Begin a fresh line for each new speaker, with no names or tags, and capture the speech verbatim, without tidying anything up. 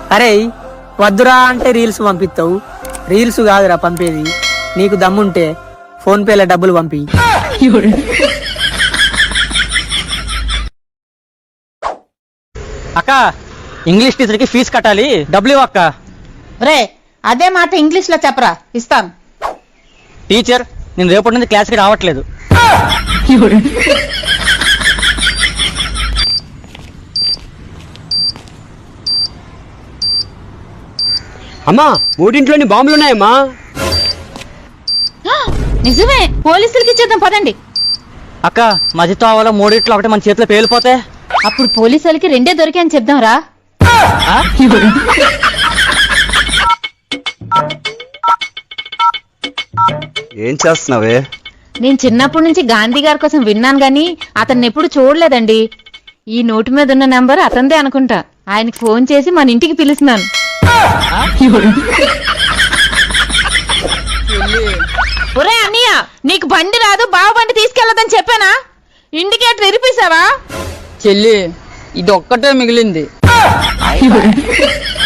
అరే వద్దురా అంటే రీల్స్ పంపిస్తావు, రీల్స్ కాదురా పంపేది. నీకు దమ్ముంటే ఫోన్ పేలో డబ్బులు పంపి.
అక్క ఇంగ్లీష్ టీచర్ కి ఫీజు కట్టాలి, డబ్బులు ఇవ్వు అక్క.
రే అదే మాట ఇంగ్లీష్ లో చెప్పరా, ఇస్తాను.
టీచర్ నేను రేపటి నుంచి క్లాస్కి రావట్లేదు.
అమ్మా మూడింట్లోని బాంబులున్నాయమ్మా.
నిజమే, పోలీసులకి ఇచ్చేద్దాం పదండి.
అక్క మధ్యతో అవ్వాలో మూడిట్లో ఒకటి మన చేతిలో పేలిపోతే
అప్పుడు పోలీసులకి రెండే దొరికాయని చెప్దాం రా.
ఏం చేస్తున్నావే?
నేను చిన్నప్పటి నుంచి గాంధీ గారి కోసం విన్నాను గాని అతన్ని ఎప్పుడు చూడలేదండి. ఈ నోటు మీద ఉన్న నంబర్ అతనిదే అనుకుంటా. ఆయనకి ఫోన్ చేసి మన ఇంటికి పిలుస్తున్నాను. ఒరే అన్నయ్య, నీకు బండి రాదు, బావ బండి తీసుకెళ్లదని చెప్పానా? ఇండికేటర్ ఇరిపేశావా?
చెల్లి ఇది ఒక్కటే మిగిలింది.